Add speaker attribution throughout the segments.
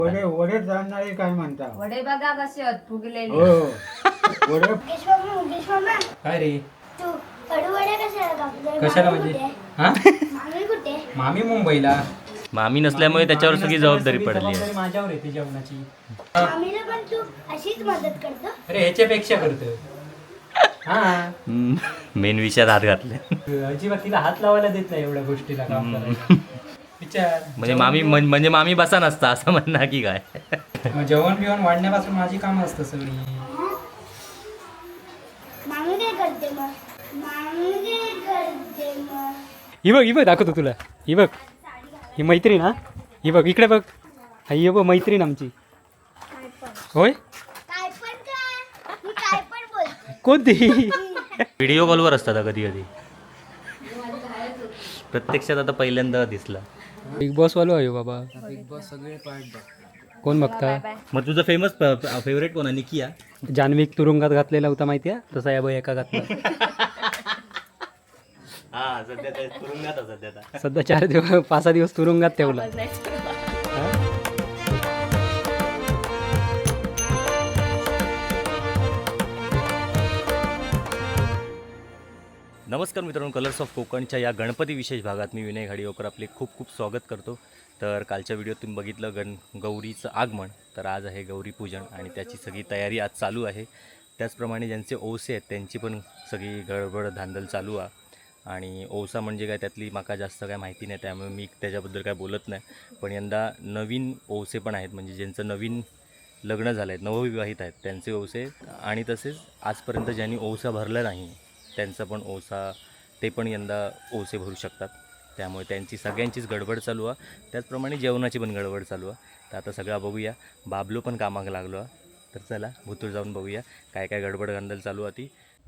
Speaker 1: वडे वडे जाणणारे काय म्हणता
Speaker 2: वडे बघा कसे आहेत फुगलेले.
Speaker 1: हो वडे
Speaker 3: मुकेश मामा
Speaker 4: काय रे
Speaker 3: तू कडूवडे कशाला कापले?
Speaker 4: कशाला
Speaker 3: मामी
Speaker 4: म्हणजे
Speaker 3: कुठे?
Speaker 4: हा
Speaker 3: मामी कुठे?
Speaker 4: मामी मुंबईला.
Speaker 5: मामी नसल्यामुळे त्याच्यावर
Speaker 4: मामी
Speaker 5: सगळी
Speaker 4: नसल्यामुळे
Speaker 5: जबाबदारी
Speaker 4: सगळी
Speaker 5: पडली आहे.
Speaker 4: जबाबदारी माझ्यावर येते जेवणाची.
Speaker 3: मामीला पण तू अशीच मदत करतो?
Speaker 4: अरे ह्याच्यापेक्षा करतो. हा
Speaker 5: मेन विषयात हात घातले.
Speaker 4: अजिबात तिला हात लावायला देत नाही एवढ्या गोष्टीला काम करायला. विचार
Speaker 5: म्हणजे मामी बसा नसता असं म्हणणार की काय.
Speaker 4: मग जेवण बिवण वाढण्यापासून माझी कामं असतं सगळी.
Speaker 3: मामी काय करते मग? मामी काय करते मग?
Speaker 4: ही बघ दाखवतो तुला. ही बघ ही मैत्रीण. हा ही बघ इकडे बघ. ही बघ मैत्रीण आमची.
Speaker 3: काय पण
Speaker 4: होय
Speaker 3: काय पण काय? मी काय पण बोलते.
Speaker 4: कोणती.
Speaker 5: व्हिडिओ कॉलवर असतात कधी कधी. प्रत्यक्षात आता पहिल्यांदा दिसला.
Speaker 4: बिग बॉस वालो आहे बाबा. बिग बॉस सगळे कोण बघता.
Speaker 5: मग तुझं फेमस फेवरेट कोण आहे? निकिया.
Speaker 4: जान्हवीक तुरुंगात घातलेला होता माहिती आहे तसा या बाई एका घातला.
Speaker 5: हा सध्या तुरुंगात सध्या.
Speaker 4: सध्या 4 दिवस 5-6 दिवस तुरुंगात ठेवला.
Speaker 5: नमस्कार मित्रांनो, कलर्स ऑफ कोकणच्या या गणपती विशेष भागात मी विनय घाडिवकर आपले खूप खूप स्वागत करतो. तर कालच्या व्हिडिओत तुम्ही बघितलं गौरीचं आगमन. तर आज आहे गौरी पूजन आणि त्याची सगळी तयारी आज चालू आहे. त्याचप्रमाणे ज्यांचे ओसे आहेत त्यांची पण सगळी गडबड धांदल चालू आहे. आणि ओसा म्हणजे काय त्यातली माका जास्त काय माहिती नाही, त्यामुळे मी त्याच्याबद्दल काय बोलत नाही. पण यंदा नवीन ओसे पण आहेत, म्हणजे ज्यांचं नवीन लग्न झालं आहेत, नवविवाहित आहेत त्यांचे ओसे. आणि तसेच आजपर्यंत ज्यांनी ओसा भरला नाही त्यांचा पण ओसा, ते पण यंदा ओसे भरू शकतात. त्यामुळे त्यांची सगळ्यांचीच गडबड चालू आहे. त्याचप्रमाणे जेवणाची पण गडबड चालू आहे. तर आता सगळं बघूया. बाबलो पण कामाक लागलो आहे. तर चला भुतूर जाऊन बघूया काय काय गडबड गंदल चालू आहे ती.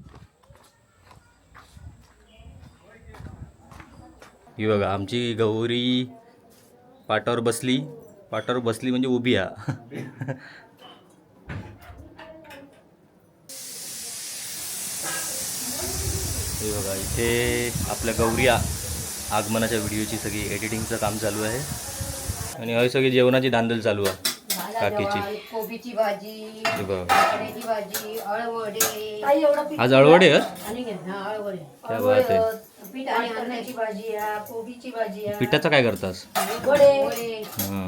Speaker 5: ही बघा आमची गौरी पाटावर बसली म्हणजे उभी आहे. हे बघा इथे आपल्या गौरी आगमनाच्या व्हिडिओची सगळी एडिटिंगचं काम चालू आहे. आणि हय सगळी जेवणाची धांदल चालू आहे काकीची.
Speaker 2: कोबीची भाजी,
Speaker 5: हे बघा
Speaker 2: चण्याची भाजी, अळवडे.
Speaker 5: आज अळवडे आहेत.
Speaker 2: अळवडे.
Speaker 5: क्या बात आहे.
Speaker 2: पीठ आणि अन्नाची भाजी आहे, कोबीची भाजी आहे,
Speaker 5: पिठाचं काय करतास?
Speaker 2: वडे.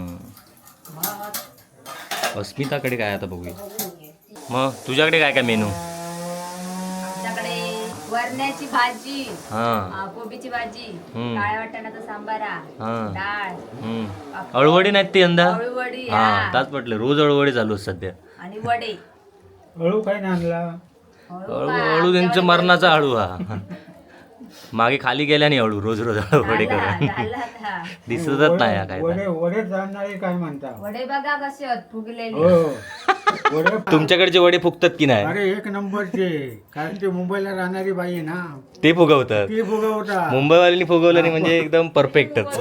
Speaker 5: अस्मिताकडे काय आता बघूया. मग तुझ्याकडे काय काय मेनू?
Speaker 2: आमच्याकडे वरण्याची भाजी, कोबीची भाजी, काळ्या वाटाण्याचा सांबारा, डाळ,
Speaker 5: अळवडी नाहीत ते यंदा.
Speaker 2: अळवडी
Speaker 5: हा ताच म्हटलं रोज अळवडी चालू आहेत सध्या.
Speaker 2: आणि वडे.
Speaker 1: हळू काय आणला
Speaker 5: अळू त्यांचं मरणाचा अळू हा. मागे खाली गेल्या नाही अळू रोज अळवडे करून दिसतच नाही हा काय.
Speaker 1: वडे वडे जाणणारे काय म्हणता
Speaker 2: वडे बघा कसे आहेत फुगलेले.
Speaker 1: हो वडे
Speaker 5: तुमच्याकडचे वडे फुगतात की नाही?
Speaker 1: अरे एक नंबरचे. कारण ते मुंबईला राहणारी बाई आहे ना,
Speaker 5: ते फुगवतात.
Speaker 1: ती फुगवता.
Speaker 5: मुंबईवाल्यांनी फुगवलं नाही म्हणजे एकदम परफेक्टच.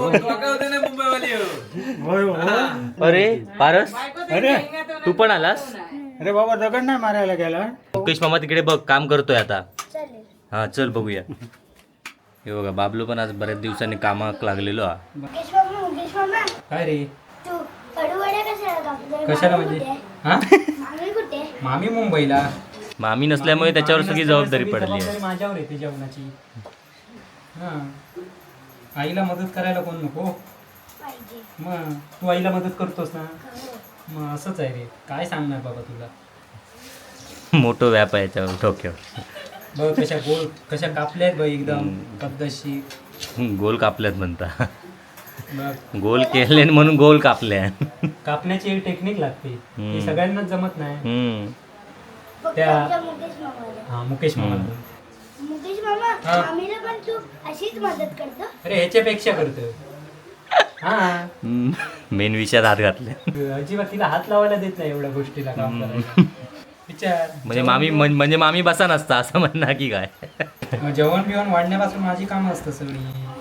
Speaker 1: होय हो.
Speaker 5: अरे पारस
Speaker 1: अरे
Speaker 5: तू पण आलास?
Speaker 1: अरे बाबा दगड नाही मारायला गेला.
Speaker 5: मुकेश मामा तिकडे बघ काम करतोय आता.
Speaker 3: चालेल.
Speaker 5: हा चल बघूया. हे बघा बाबलो पण आज बऱ्याच दिवसांनी कामाक लागलेलो हा.
Speaker 3: मुकेश मामा
Speaker 4: काय रे
Speaker 3: तू कडूवडे कशाला कापले?
Speaker 4: कशाला
Speaker 3: मामी
Speaker 4: म्हणजे
Speaker 3: कुठे?
Speaker 4: हा
Speaker 3: मामी कुठे?
Speaker 4: मामी मुंबईला.
Speaker 5: मामी नसल्यामुळे त्याच्यावर
Speaker 4: मामी
Speaker 5: सगळी
Speaker 4: नसल्यामुळे
Speaker 5: जबाबदारी
Speaker 4: सगळी
Speaker 5: पडली आहे.
Speaker 4: जबाबदारी माझ्यावर येते जेवणाची. हा आईला मदत करायला कोण नको.
Speaker 3: पाहिजे.
Speaker 4: मग तू आईला मदत करतोस ना.
Speaker 3: हो.
Speaker 4: मग असंच आहे रे, काय सांगणार बाबा तुला.
Speaker 5: मोठं व्याप आहे याच्यावर डोक्यावर.
Speaker 4: बघ कशा कापल्यात बघ एकदम पद्धतशीर.
Speaker 5: गोल कापल्यात म्हणता.
Speaker 4: बघ
Speaker 5: गोल केले म्हणून गोल कापल्या.
Speaker 4: कापण्याची एक टेक्निक लागते, ती सगळ्यांनाच जमत नाही.
Speaker 3: फक्त
Speaker 4: त्या-
Speaker 3: आमच्या मुकेश मामाला.
Speaker 4: हा मुकेश मामा.
Speaker 3: मुकेश मामा
Speaker 4: हा.
Speaker 3: मामीला पण तू अशीच मदत करतो?
Speaker 4: अरे ह्याच्यापेक्षा करतो. हा
Speaker 5: मेन विषयात हात घातले.
Speaker 4: अजिबात तिला हात लावायला देत नाही एवढ्या गोष्टीला काम करायला. विचार
Speaker 5: म्हणजे मामी बसा नसता असं म्हणणार की काय.
Speaker 4: मग जेवण बिवण वाढण्यापासून माझी कामं असतं सगळी.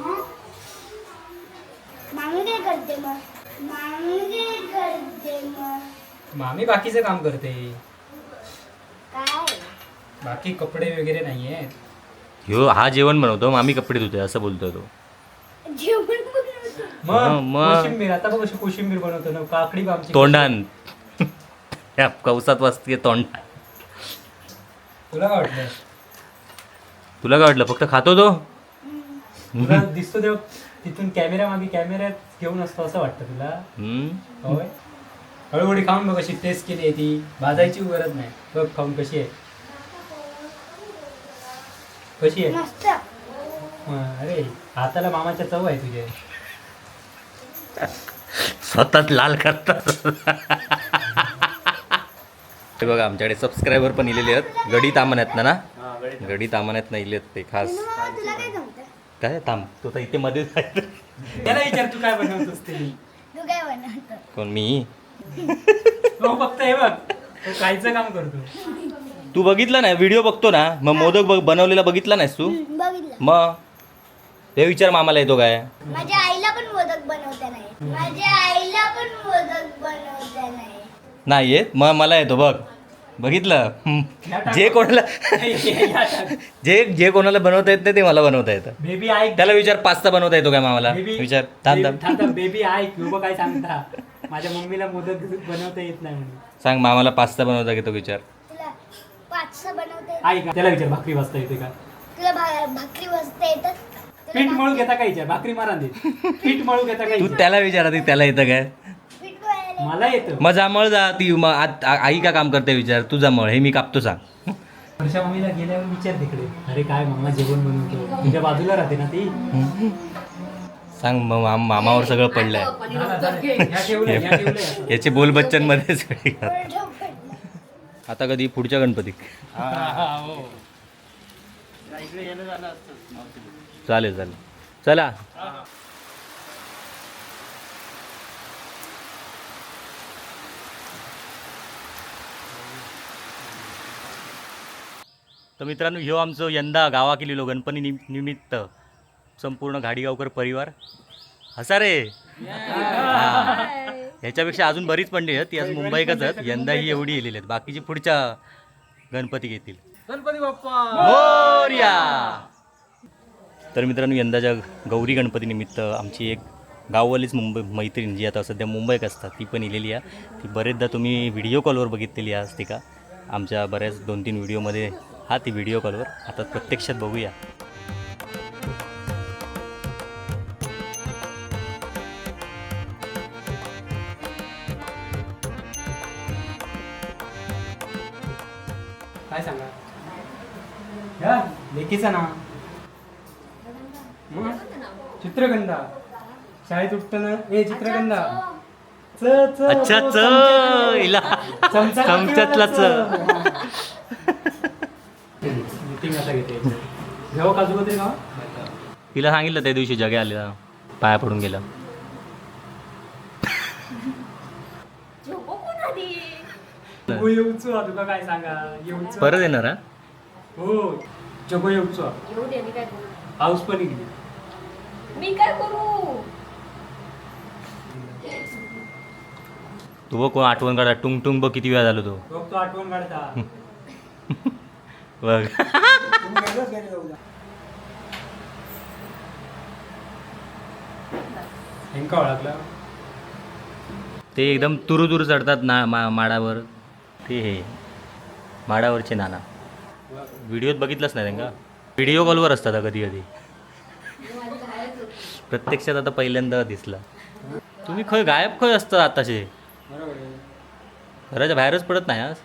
Speaker 3: मामी काय करते मग? मामी काय करते मग?
Speaker 4: मामी बाकीचं काम करते,
Speaker 3: काय?
Speaker 4: बाकी कपडे वगैरे नाहीये.
Speaker 5: ह्यो हा जेवण बनवतो, मामी कपडे धुते असं बोलतोय तो.
Speaker 3: जेवण बनवतो.
Speaker 5: मग.
Speaker 4: कोशिंबीर आता बघ कशी कोशिंबीर बनवतो ना काकडी बा आमची.
Speaker 5: तोंडान या कवसात वाजते तोंड.
Speaker 4: तुला काय वाटलं?
Speaker 5: तुला काय वाटलं फक्त खातो तो?
Speaker 4: तुला दिसतो तेव्हा तिथून कॅमेरा मागे कॅमेऱ्यात घेऊन असतो असं वाटतं तुला? होय. हळूहळू खाऊन बघ कशी टेस्ट केली आहे ती. भाजायची गरज नाही. बघ खाऊन कशी आहे. कशी आहे?
Speaker 3: मस्त.
Speaker 4: अरे हाताला मामाच्या चव आहे तुझे.
Speaker 5: स्वतःच लाल करतात. हे बघा आमच्याकडे सबस्क्रायबर पण इलेले आहेत. गडी तामण्यात ना गडी तामण्यात नाही इलेत ते खास.
Speaker 3: मामा, तुला काय जमतं?
Speaker 5: काय थांब तू तर इथे मध्ये
Speaker 4: त्याला विचार तू काय बनवतोस ते.
Speaker 3: तू काय बनवतो?
Speaker 5: कोण मी?
Speaker 4: हो फक्त हे बघ तो कायचं काम करतो.
Speaker 5: तू बघितला नाही व्हिडिओ बघतो ना मग मोदक बनवलेला बघितला नाहीस तू?
Speaker 3: बघितलं.
Speaker 5: मग ते विचार मामाला येतो काय?
Speaker 3: माझ्या आईला पण मोदक बनवता नाही. माझ्या आईला पण मोदक बनवता नाही.
Speaker 5: नाही येत मग मला येतो बघ. बघितलं जे कोणाला जे कोणाला बनवता येत नाही ते मला बनवता येतं.
Speaker 4: बेबी ऐक.
Speaker 5: त्याला विचार पास्ता बनवता येतो काय मामाला? विचार थांब
Speaker 4: बेबी ऐक उभं काय सांगता. माझ्या मम्मीला मोदक बनवता येत नाही म्हणून.
Speaker 5: सांग मामाला पास्ता बनवता येतो विचार.
Speaker 3: तुला पाचसा बनवता येत?
Speaker 4: ऐक त्याला विचार भाकरी वाजता येते का?
Speaker 3: तुला भाकरी वाजता येतात?
Speaker 4: पीठ मळू घेता काय विचार. भाकरी मारा दे. पीठ मळू घेता काय
Speaker 5: तू
Speaker 4: विचार.
Speaker 5: त्याला विचार आधी त्याला येतं काय?
Speaker 3: पीठ मळायला
Speaker 4: मला येतं.
Speaker 5: मग जामळ जा ती आई का काम करते विचार. तू जामळ हे मी कापतो सांग.
Speaker 4: वर्षा मम्मीला गेल्यावर विचार तिकडे. अरे काय मामा जेवण बनवतो. तुझ्या बाजूला राहते ना ती.
Speaker 5: सांग मग मामावर सगळं पडलंय.
Speaker 4: ह्या ठेवलंय.
Speaker 5: याचे बोल बच्चन मध्ये सगळी.
Speaker 3: पडलं पडलं.
Speaker 5: आता कधी पुढच्या गणपती? चालेल चालेल चला. तर मित्रांनो ह्यो आमचं यंदा गावा केलेलो गणपती निमित्त संपूर्ण घाडीगावकर परिवार हसा रे. ह्याच्यापेक्षा अजून बरीच पंडित आहेत ती आज मुंबईकच आहेत. यंदा ही एवढी येलेली आहेत. बाकीची पुढच्या गणपती घेतील.
Speaker 4: गणपती बाप्पा
Speaker 5: मोरया. तर मित्रांनो यंदाच्या गौरी गणपती निमित्त आमची एक गाववालीच मैत्रीण जी आता सध्या मुंबईत असतात ती पण इलेली आहे. ती बरेचदा तुम्ही व्हिडिओ कॉलवर बघितलेली आहे ती का आमच्या बऱ्याच 2-3 व्हिडिओमध्ये ती व्हिडिओ कॉलवर. आता प्रत्यक्षात बघूया.
Speaker 4: काय सांगा या लेकीचं नाव मग चित्रगंधा. शाळेत उठताना ए चित्रगंधा
Speaker 5: अच्छा हिला चमच्यातला
Speaker 4: मीटिंग आता घेते. घेऊ काजू कतरी गाव.
Speaker 5: तिला सांगितलं त्या दिवशी जगे आलेला पाया पडून गेला.
Speaker 4: येऊचो तुका काय सांगा. येऊचो
Speaker 5: परत येणार हा?
Speaker 4: हो जगो येऊचो.
Speaker 2: येऊ दे मी काय करू.
Speaker 4: पाऊस पण गेली.
Speaker 2: मी काय करू.
Speaker 5: तू बघ कोण आठवण काढा टुंग टुंग बघ किती वेळा झालो तो.
Speaker 4: बघ तो आठवण काढता.
Speaker 5: बघ
Speaker 4: हेंका ओळखला.
Speaker 5: ते एकदम तुरू चढतात ना माडावर. ते हे माडावरचे नाना व्हिडिओत बघितलंच नाही त्यांना. व्हिडिओ कॉलवर असतात कधी कधी. प्रत्यक्षात आता पहिल्यांदा दिसला. तुम्ही खय गायब खय असतात आताशे. घराच्या बाहेरच पडत नाही आज.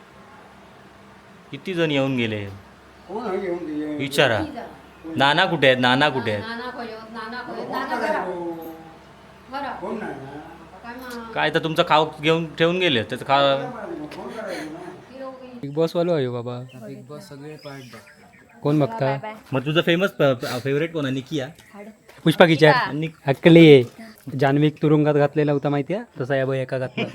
Speaker 5: किती जण येऊन गेले
Speaker 1: कोण आहे घेऊन गेले?
Speaker 5: विचारा. नाना कुठे आहेत? नाना कुठे आहेत?
Speaker 1: कोण नाही ना?
Speaker 5: काय तर तुमचं खाऊ घेऊन ठेवून गेले त्याचं खा.
Speaker 1: फोन करायचं ना.
Speaker 4: बिग बॉस वालो आहे बाबा.
Speaker 6: बिग बॉस सगळे पार्ट
Speaker 4: कोण बघता?
Speaker 5: मग तुझं फेमस फेवरेट कोण आहे? निकिया?
Speaker 4: पुष्पा किचार
Speaker 5: आणि
Speaker 4: हक्कली. जान्हवीक तुरुंगात घातलेला होता माहिती आहे तसा या बाई एका घातला.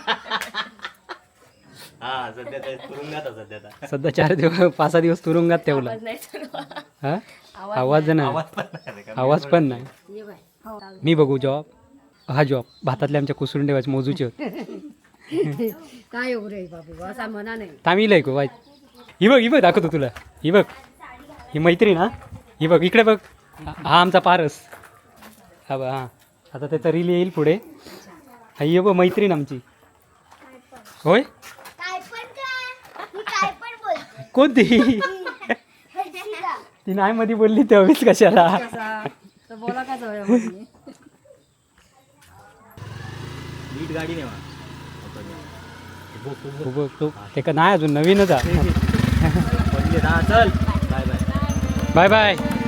Speaker 5: हा सध्या तुरुंगात आहे सध्या आता.
Speaker 4: सध्या 4 दिवस 5-6 दिवस तुरुंगात ठेवला. हा आवाज नाही. आवाज पण नाही. मी बघू जॉब. हा जॉब भातातले आमच्या कुसरून ठेवायचे मोजूचे होते.
Speaker 2: काय येऊ रे बाबू असा म्हणा नाही.
Speaker 4: तामिल ऐकू वाईट. ही बघ दाखवतो तुला. ही बघ ही मैत्रीण. हा ही बघ इकडे बघ. हा आमचा पारस. हा बघ. हा आता त्याचा रील येईल पुढे. हाय ये बघ मैत्रीण आमची. होय
Speaker 3: काय पण का मी काय पण बोलते
Speaker 4: कोणती
Speaker 3: हर्षिता.
Speaker 4: ती नाही मध्ये बोलली तेव्हाच कशाला.
Speaker 2: कसा तर बोला का जाऊया म्हणे.
Speaker 5: नीट गाडी नेवा
Speaker 4: बघ तो ते का नाही अजून नवीनच आहे.
Speaker 5: चल बाय बाय
Speaker 4: बाय बाय.